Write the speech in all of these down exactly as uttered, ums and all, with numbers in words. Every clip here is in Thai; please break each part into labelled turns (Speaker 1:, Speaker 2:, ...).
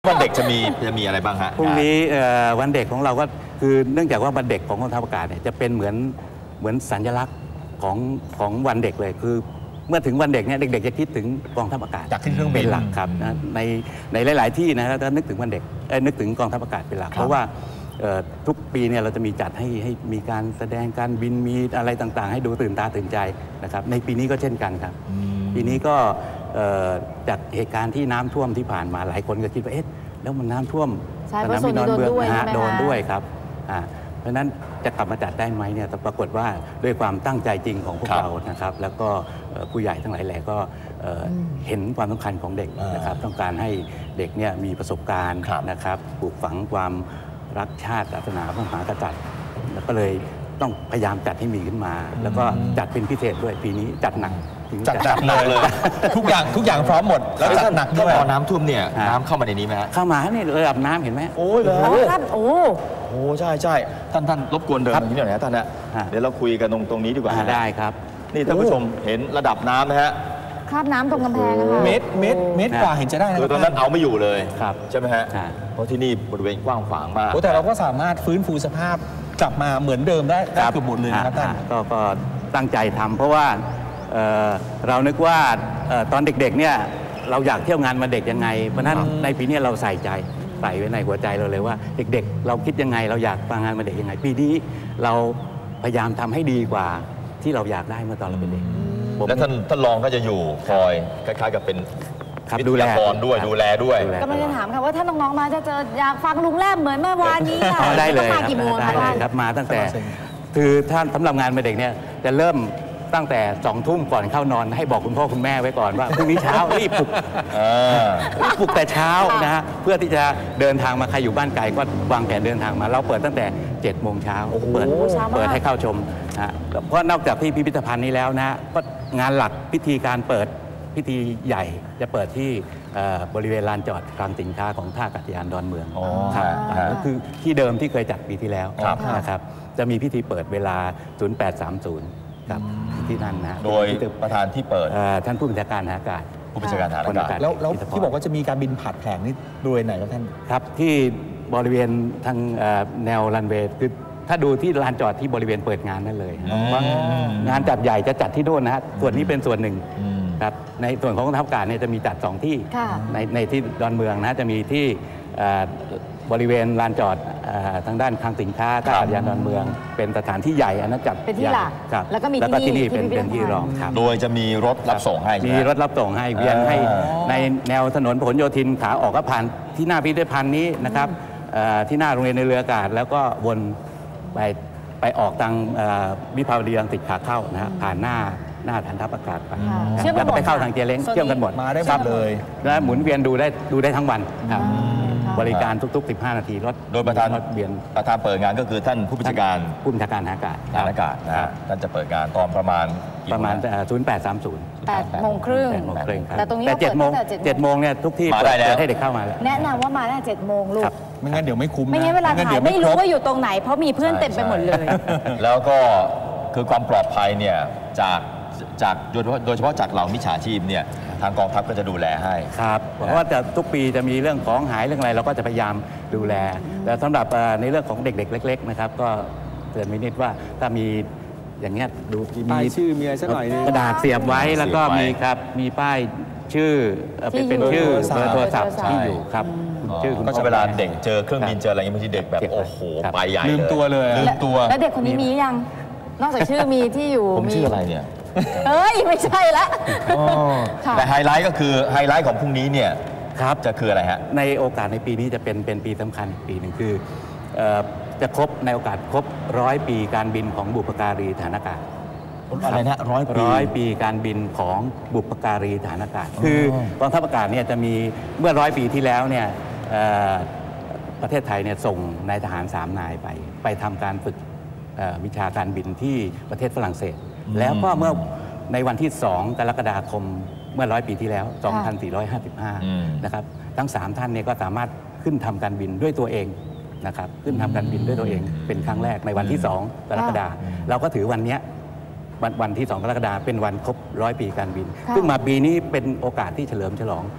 Speaker 1: วันเด็กจะมีจะมีอะไรบ้างฮะ
Speaker 2: พรุ่งนี้วันเด็กของเราก็คือเนื่องจากว่าวันเด็กของกองทัพอากาศเนี่ยจะเป็นเหมือนเหมือนสัญลักษณ์ของของวันเด็กเลยคือเมื่อถึงวันเด็กเนี่ยเด็กๆจะคิดถึงกองทัพอากาศ
Speaker 1: จากที่เครื่องบิน
Speaker 2: เป็นหลักครับนะในในหลายๆที่นะถ้านึกถึงวันเด็กนึกถึงกองทัพอากาศเป็นหลักเพราะว่าทุกปีเนี่ยเราจะมีจัดให้ให้มีการแสดงการบินมีอะไรต่างๆให้ดูตื่นตาตื่นใจนะครับในปีนี้ก็เช่นกันครับปีนี้ก็จากเหตุการณ์ที่น้ำท่วมที่ผ่านมาหลายคนก็คิดว่าเอ๊ะแล้วมันน้ำท่วม
Speaker 3: สนามบินดอนเมือง
Speaker 2: โดนด้วยครับเพราะฉะนั้นจะกลับมาจัดได้ไหมเนี่ยแต่ปรากฏว่าด้วยความตั้งใจจริงของพวกเรานะครับแล้วก็ผู้ใหญ่ทั้งหลายแหล่ก็เห็นความสำคัญของเด็กนะครับต้องการให้เด็กเนี่ยมีประสบการณ์นะครับปลูกฝังความรักชาติศาสนาพระมหากษัตริย์แล้วก็เลยต้องพยายามจัดให้มีขึ้นมาแล้วก็จัดเป็นพิเศษด้วยปีนี้จัดหนัก
Speaker 1: จัดจัดหนักเลยทุกอย่างทุกอย่างพร้อมหมดแล้วจัดหนักด้วยพอน้ำท่วมเนี่ยน้ำเข้ามาในนี้ไหมฮะ
Speaker 2: เข้ามาเนี่ยระดับน้ำเห็นไหม
Speaker 1: โอ้ยเลย
Speaker 3: ครับโอ้
Speaker 1: โหใช่ใช่ท่านท่านรบกวนเดินตรงนี้หน่อยนะท่านนะเดี๋ยวเราคุยกันตรงตรงนี้ดีกว่า
Speaker 2: ได้ครับ
Speaker 1: นี่ท่านผู้ชมเห็นระดับน้ำนะฮะ
Speaker 3: คราบน้ำตรงกำแพงนะคะ
Speaker 1: เมตรเมตรเมตรกว่าเห็นจะได้นะคือตอนนั้นเอาไม่อยู่เลยใช่ไหมฮะเพราะที่นี่บริเวณกว้างขวางมาก
Speaker 4: แต่เราก็สามารถฟื้นฟูสภาพกลับมาเหมือนเดิมได้เกือบหมดเลยครับท่าน
Speaker 2: ก็ตั้งใจทำเพราะว่าเรานึกว่าตอนเด็กๆเนี่ยเราอยากเที่ยวงานมาเด็กยังไงเพราะนั้นในปีนี้เราใส่ใจใส่ไว้ในหัวใจเราเลยว่าเด็กๆเราคิดยังไงเราอยากมางานมาเด็กยังไงปีนี้เราพยายามทำให้ดีกว่าที่เราอยากได้เมื่อตอนเราเป็นเด็ก
Speaker 1: แล้วท่านท่านรองก็จะอยู่คอยคล้ายๆกับเป็น
Speaker 2: ดูแล
Speaker 1: ด้วยดูแลด้วย
Speaker 3: ก็ไม่ได้ถามค่ะว่าถ้าน้องๆมาจะเจออยากฟังลุงแรมเหมือนเมื่อวานนี้ค่ะ
Speaker 2: ได้เลย
Speaker 3: มากี่โมง
Speaker 2: ครับมาตั้งแต่คือท่านสำหรับงานมาเด็กเนี่ยจะเริ่มตั้งแต่สองทุ่มก่อนเข้านอนให้บอกคุณพ่อคุณแม่ไว้ก่อนว่าพรุ่งนี้เช้ารีบปลุกปลุกแต่เช้านะฮะเพื่อที่จะเดินทางมาใครอยู่บ้านไกลก็วางแผนเดินทางมาเราเปิดตั้งแต่เจ็ดโมงเช้าเปิดเปิดให้เข้าชมนะเพราะนอกจากที่พิพิธภัณฑ์นี้แล้วนะก็งานหลักพิธีการเปิดพิธีใหญ่จะเปิดที่บริเวณลานจอดคลังสินค้าของท่าอากาศยานดอนเมืองครับก็คือที่เดิมที่เคยจัดปีที่แล้วนะครับจะมีพิธีเปิดเวลา ศูนย์แปดสามศูนย์ครับที่นั่นนะ
Speaker 1: โดยประธานที่เปิด
Speaker 2: ท่านผู้บัญชาการทหารอากาศ
Speaker 1: ผู้บัญชาการทหารอากาศ
Speaker 4: แล้วที่บอกว่าจะมีการบินผ่านแผงนี่บริเวณไหนครับท่าน
Speaker 2: ครับที่บริเวณทางแนวรันเวย์คือถ้าดูที่ลานจอดที่บริเวณเปิดงานนั่นเลยงานจัดใหญ่จะจัดที่โน่นนะฮะส่วนนี้เป็นส่วนหนึ่งครับในส่วนของกองทัพอากาศเนี่ยจะมีจัดสองที่ในในที่ดอนเมืองนะจะมีที่บริเวณลานจอดทางด้านคลังสินค้าท่าอากาศยานดอนเมืองเป็นสถานที่ใหญ่อันนั้นจัด
Speaker 3: เป็นที่หลัก
Speaker 2: แล้วก็มีที่นี่เป็นเป็นที่รองครับ
Speaker 1: โดยจะมีรถรับส่งให้
Speaker 2: มีรถรับส่งให้เวียนให้ในแนวถนนพหลโยธินขาออกก็ผ่านที่หน้าพิพิธภัณฑ์นี้นะครับที่หน้าโรงเรียนในเรืออากาศแล้วก็วนไปไปออกทางวิภาวดีรังสิตขาเข้านะฮะผ่านหน้าหน้าฐานทัพอากาศไปแล้วก็ไปเข้าทางเจเล้งเชื่อมกันหมด
Speaker 4: มาได้หมดเลย
Speaker 2: และหมุนเวียนดูได้ดูได้ทั้งวันครับบริการทุกๆสิบห้านาทีรถ
Speaker 1: โดยประธานเวียนประธานเปิดงานก็คือท่านผู้บัญชาการ
Speaker 2: ผู้บัญชาการทหารอากาศ
Speaker 1: ทหารอากาศนะฮะท่านจะเปิดงานตอนประมาณ
Speaker 2: ประมาณศูนย์แปดสามศูนย์
Speaker 3: แปดโมงครึ่ง
Speaker 2: แต่ตรงนี้แต่เจ็ดโมงเจ็ดโมงเนี่ยทุกที่เปิดให้เด็กเข้ามาแล้ว
Speaker 3: แนะนำว่ามาได้เจ็ดโมงลูก
Speaker 4: ไม่งั้นเดี๋ยวไม่คุ้ม
Speaker 3: ไม่งั้นเวลาถ่ายไม่รู้ว่าอยู่ตรงไหนเพราะมีเพื่อนเต็มไปหมดเลย
Speaker 1: แล้วก็คือความปลอดภัยเนี่ยจากจากโดยเฉพาะจากเหล่ามิจฉาชีพเนี่ยทางกองทัพก็จะดูแลให้
Speaker 2: ครับเพราะว่าจะทุกปีจะมีเรื่องของหายเรื่องอะไรเราก็จะพยายามดูแลแต่สำหรับในเรื่องของเด็กๆเล็กๆนะครับก็เตือนไว้นิดว่าถ้ามีอย่างเงี้ยดู
Speaker 4: มีชื่อมีอะไรสักหน่อย
Speaker 2: กระดาษเสียบไว้แล้วก็มีครับมีป้ายชื่อเป็นชื่อเบอร์โทรศัพท์ที่อยู่ครับ
Speaker 1: ชื่อก็จะเวลาเด็กเจอเครื่องบินเจออะไรอย่างเงี้ยบางทีเด็กแบบโอ้โหไปใหญ่
Speaker 4: ลืมตัวเลย
Speaker 1: ลืมตัว
Speaker 3: แล้วเด็กคนนี้มียังนอกจากชื่อมีที่อยู่
Speaker 1: ผมชื่ออะไรเนี่ย
Speaker 3: เอ้ยไม่ใช่ละ
Speaker 1: แต่ไฮไลท์ก็คือไฮไลท์ของพรุ่งนี้เนี่ยครับจะคืออะไรฮะ
Speaker 2: ในโอกาสในปีนี้จะเป็นเป็นปีสำคัญอีกปีหนึ่งคือจะครบในโอกาสครบร้อยปีการบินของบุพการีทหารอากาศ
Speaker 1: อะไรนะร้อยปี
Speaker 2: ร้อยปีการบินของบุพการีทหารอากาศคือกองทัพอากาศเนี่ยจะมีเมื่อร้อยปีที่แล้วเนี่ยประเทศไทยเนี่ยส่งนายทหารสามนายไปไปทำการฝึกวิชาการบินที่ประเทศฝรั่งเศสแล้วก็เมื่อในวันที่สองกรกฎาคมเมื่อร้อยปีที่แล้วสองพันสี่ร้อยห้าสิบห้านะครับทั้งสามท่านเนี่ยก็สามารถขึ้นทำการบินด้วยตัวเองนะครับขึ้นทำการบินด้วยตัวเองเป็นครั้งแรกในวันที่สองกรกฎาคมเราก็ถือวันนี้วันวันที่สองกรกฎาคมเป็นวันครบร้อยปีการบินซึ่งมาปีนี้เป็นโอกาสที่เฉลิมฉลอง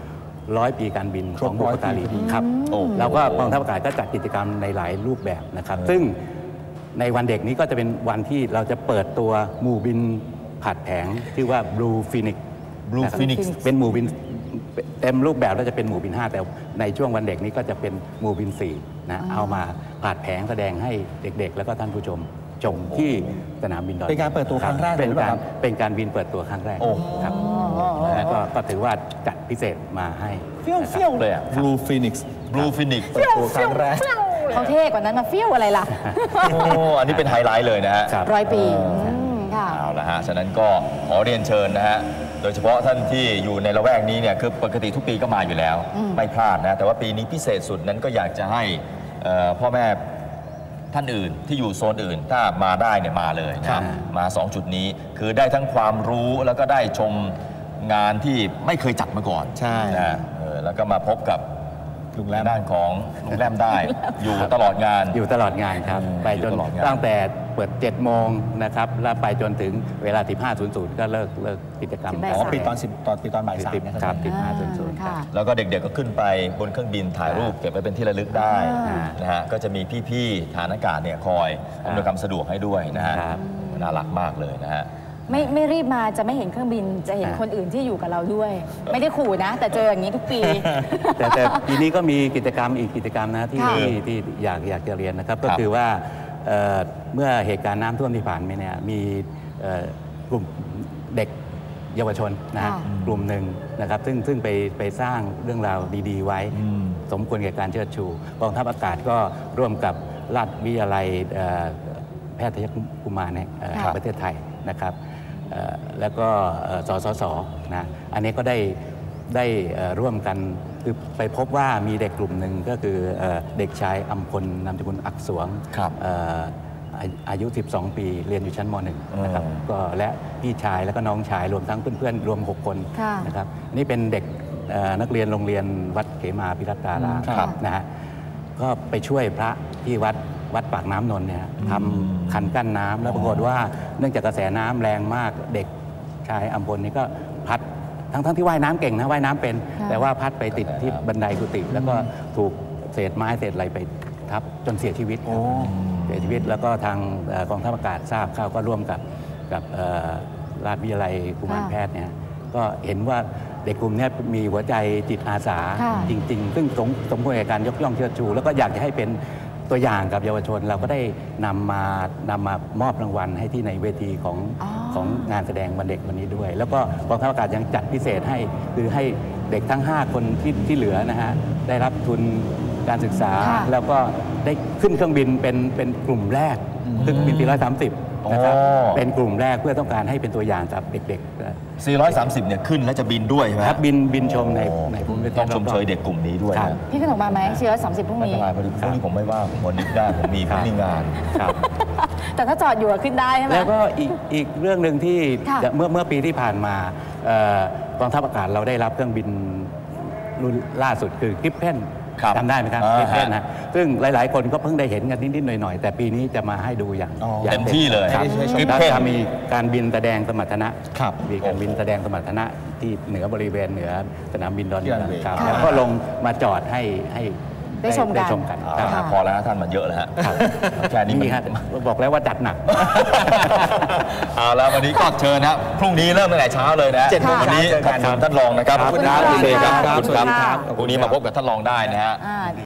Speaker 2: ร้อยปีการบินของบุพการีครับ
Speaker 1: โอ้
Speaker 2: แล้วก็กองทัพอากาศก็จัดกิจกรรมในหลายรูปแบบนะครับ ซึ่งในวันเด็กนี้ก็จะเป็นวันที่เราจะเปิดตัวหมู่บินผัดแผงชื่อว่า Blue Phoenix
Speaker 1: Blue
Speaker 2: นะครับ
Speaker 1: Phoenix
Speaker 2: เป็นหมู่บินเต็มรูปแบบแล้วจะเป็นหมู่บินห้าแต่ในช่วงวันเด็กนี้ก็จะเป็นหมู่บินสี่นะเอามาผัดแผงแสดงให้เด็กๆ แล้วก็ท่านผู้ชมชมที่สนามบินดอน
Speaker 4: เป็นการเปิดตัวครั้งแรกเลย
Speaker 2: เป็น
Speaker 4: หรือเป
Speaker 2: กา
Speaker 4: ล่าร ครับ
Speaker 2: เป็นการบินเปิดตัวครั้งแรก
Speaker 1: โอ้
Speaker 2: ครับแล้วก็ก็ถือว่าจัดพิเศษมาให้
Speaker 4: เฟี้ยว
Speaker 2: นะครับ
Speaker 4: เฟี้ยว
Speaker 1: เลยอะ
Speaker 4: Blue Phoenix
Speaker 1: Blue Phoenix
Speaker 4: เปิดตัวครั้งแรก
Speaker 3: เขาเท่กว่านั้นมาฟิวอะไรล่ะ
Speaker 1: โอ้อันนี้เป็นไฮไลท์เลยนะฮะ
Speaker 2: ครับ
Speaker 3: ร้อยปีอืมค่ะ
Speaker 1: เอาละฮะ ฉะนั้นก็ขอเรียนเชิญนะฮะ โดยเฉพาะท่านที่อยู่ในละแวกนี้เนี่ย คือปกติทุกปีก็มาอยู่แล้ว ไม่พลาดนะ แต่ว่าปีนี้พิเศษสุดนั้นก็อยากจะให้เอ่อพ่อแม่ท่านอื่นที่อยู่โซนอื่น ถ้ามาได้เนี่ยมาเลยนะ
Speaker 4: ครั
Speaker 1: ฮะ
Speaker 4: บ
Speaker 1: มาสองจุดนี้ คือได้ทั้งความรู้แล้วก็ได้ชมงานที่ไม่เคยจัดมาก่อน
Speaker 4: ใช่
Speaker 1: นะเออแล้วก็มาพบกับ
Speaker 4: ลุงแรม
Speaker 1: ด้านของลุงแรมได้ อยู่ตลอดงาน
Speaker 2: อยู่ตลอดงานครับ
Speaker 1: อืม
Speaker 2: ไปจน
Speaker 1: อยู่ตลอดงาน
Speaker 2: ตั้งแต่เปิดเจ็ดโมงนะครับแล้วไปจนถึงเวลาสิบห้าศูนย์ศูนย์ก็เลิกเลิกกิจกรรม
Speaker 3: ถึงบ่าย
Speaker 4: อ๋อ
Speaker 3: สาม
Speaker 4: ปิดตอนสิบตอนปิดตอนบ่ายสาม
Speaker 2: สิบ
Speaker 4: นะค
Speaker 2: ค
Speaker 4: รั
Speaker 2: รับ บสิบห้าศูนย์ศูนย์
Speaker 3: ค่ะ
Speaker 1: แล้วก็เด็กๆก็ขึ้นไปบนเครื่องบินถ่ายรูปเก็บไว้เป็นที่ระลึกได้
Speaker 3: อ่า
Speaker 1: นะฮะก็จะมีพี่ๆฐานอากาศเนี่ยคอยอำนวยความสะดวกให้ด้วยนะฮะ
Speaker 2: ครับ
Speaker 1: น่ารักมากเลยนะฮะ
Speaker 3: ไม่ไม่รีบมาจะไม่เห็นเครื่องบินจะเห็น
Speaker 2: อ่า
Speaker 3: คนอื่นที่อยู่กับเราด้วย ไม่ได้ขู่นะ แต่เจออย่างนี้ทุกปี
Speaker 2: แต่แต่ปีนี้ก็มีกิจกรรมอีกกิจกรรมนะที่
Speaker 3: ค่ะ
Speaker 2: ที่ที่อยากอยากจะเรียนนะครับ ก็
Speaker 1: ครับ
Speaker 2: คือว่าเอ่อเมื่อเหตุการณ์น้ำท่วมที่ผ่านมาเนี่ยมีเอ่อกลุ่มเด็กเยาวชนนะฮะ
Speaker 3: ค่ะ
Speaker 2: กลุ่มหนึ่งนะครับซึ่งซึ่งไปไปสร้างเรื่องราวดีๆ ไว้
Speaker 1: อืม
Speaker 2: สมควรแก่การเชิดชูกองทัพอากาศก็ร่วมกับราชวิทยาลัยเอ่อแพทยกุมารแห่งเอ่อ
Speaker 3: ค่ะ
Speaker 2: ประเทศไทยนะครับเอ่อแล้วก็เอ่อสสสนะอันนี้ก็ได้ได้เอ่อร่วมกันคือไปพบว่ามีเด็กกลุ่มหนึ่งก็คือเอ่อเด็กชายอัมพลนามสกุลอักษวง
Speaker 1: ครับ
Speaker 2: เอ่ออาอายุ สิบสอง ปีเรียนอยู่ชั้นม .หนึ่ง นะครับ
Speaker 1: อืม
Speaker 2: ก็และพี่ชายแล้วก็น้องชายรวมทั้งเพื่อนๆ รวม หก คน
Speaker 3: ค่ะ
Speaker 2: นะครับนี่เป็นเด็กเอ่อนักเรียนโรงเรียนวัดเขมาพิรัตตาราม
Speaker 3: ครับ
Speaker 2: นะฮะก็ไปช่วยพระที่วัดวัดปากน้ำนนท์เนี่ยทำคันกั้นน้ำแล้วปรากฏว่าเนื่องจากกระแสน้ำแรงมากเด็กชายอัมพลนี่ก็พัดทั้งทั้งที่ว่ายน้ำเก่งนะว่ายน้ำเป็น
Speaker 3: ค่ะ
Speaker 2: แต่ว่าพัดไปติดที่บันไดกุฏิแล้วก็ถูกเศษไม้เศษอะไรไปทับจนเสียชีวิตครับเสียชีวิตแล้วก็ทางเอ่อกองทัพอากาศทราบเข้าก็ร่วมกับกับเอ่อราชวิทยาลัยกุมาร
Speaker 3: ค่ะ
Speaker 2: แพทย์เนี่ยก็เห็นว่าเด็กกลุ่มเนี้มีหัวใจจิตอาสา
Speaker 3: ค่ะ
Speaker 2: จริง ๆ ซึ่งสมสมควรแก่การยกย่องเชิดชู แล้วก็อยากจะให้เป็นตัวอย่างกับเยาวชน เราก็ได้นำมานำมามอบรางวัลให้ที่ในเวทีของ
Speaker 3: อ๋อ
Speaker 2: ของงานแสดงวันเด็กวันนี้ด้วย แล้วก็กองทัพอากาศยังจัดพิเศษให้คือให้เด็กทั้ง ห้า คนที่ที่เหลือนะฮะได้รับทุนการศึกษา
Speaker 3: ค่ะ
Speaker 2: แล้วก็ได้ขึ้นเครื่องบินเป็นเป็นกลุ่มแรกคือบินสี่ร้อยสามสิบนะครับ
Speaker 1: อ๋อ
Speaker 2: เป็นกลุ่มแรกเพื่อต้องการให้เป็นตัวอย่างกับเด็กๆ
Speaker 1: สี่ร้อยสามสิบเนี่ยขึ้นแล้วจะบินด้วยใช่ไหม
Speaker 2: ครับบินบินชมใน
Speaker 1: โอ้
Speaker 2: ในภูมิประเทศ
Speaker 1: ต้องชม
Speaker 2: รอบๆ
Speaker 1: เชยเด็กกลุ่มนี้ด้วย
Speaker 2: ครับ
Speaker 1: นะ
Speaker 3: พี่ขนมมาไหมสี่ร้อยสามสิบพรุ่ง
Speaker 1: ไม่
Speaker 3: นี้
Speaker 1: เป็นไรพอดีพรุ่งนี้ผมไม่ว่างผมวันนึกได้ผมมีผมมีงาน
Speaker 2: ครับ
Speaker 3: แต่ถ้าจอดอยู่อะขึ้นได้ใช่ไหม
Speaker 2: แล้วก็อีกอีกเรื่องหนึ่งที่
Speaker 3: ค่ะ
Speaker 2: เมื่อเมื่อปีที่ผ่านมาเอ่อกองทัพอากาศเราได้รับเครื่องบินรุ่นล่าสุดคือกริปเพน
Speaker 1: ครับ
Speaker 2: จำได้ไหมครับ
Speaker 1: อ่าก
Speaker 2: ริปเพนนะซึ่งหลาย ๆ คนก็เพิ่งได้เห็นกันนิด ๆ หน่อย ๆ แต่ปีนี้จะมาให้ดูอย่าง
Speaker 4: อ๋อ
Speaker 2: อย่าง
Speaker 1: เต็มที่เลย
Speaker 2: ครับ
Speaker 4: ให้ชม
Speaker 2: แล้วจะมีการบินแสดงสมรรถนะครับ มีการบินแสดงสมรรถนะที่เหนือบริเวณเหนือสนามบินดอนเมืองครับ
Speaker 3: ค่ะ
Speaker 2: แล้วก็ลงมาจอดให้ให้
Speaker 3: ได้ชมกัน
Speaker 2: ได้ชมกัน
Speaker 1: เอา
Speaker 2: ครับ
Speaker 1: ละพอแล้วนะท่านมันเยอะแล้วฮะแค่นี้มัน
Speaker 2: นี่ฮะบอกแล้วว่าจัดหนัก
Speaker 1: เอาแล้ววันนี้ก็เชิญนะพรุ่งนี้เริ่มตั้งแต่เช้าเลยนะ
Speaker 4: เจ็ดโมง
Speaker 1: วันนี้
Speaker 4: เช้าเจอ
Speaker 1: ข
Speaker 4: กั
Speaker 1: อบ
Speaker 4: น
Speaker 1: คุณท่านรองนะครับ
Speaker 2: ครับ
Speaker 1: ขอบคุณครับ
Speaker 3: ขอบคุณ
Speaker 1: คุณเสกครับ
Speaker 3: ครับ
Speaker 1: ขอบคุณครับ
Speaker 3: ขอบคุณครับ
Speaker 1: พรุ่งนี้มาพบกับท่านรองได้นะฮะ
Speaker 3: อ่า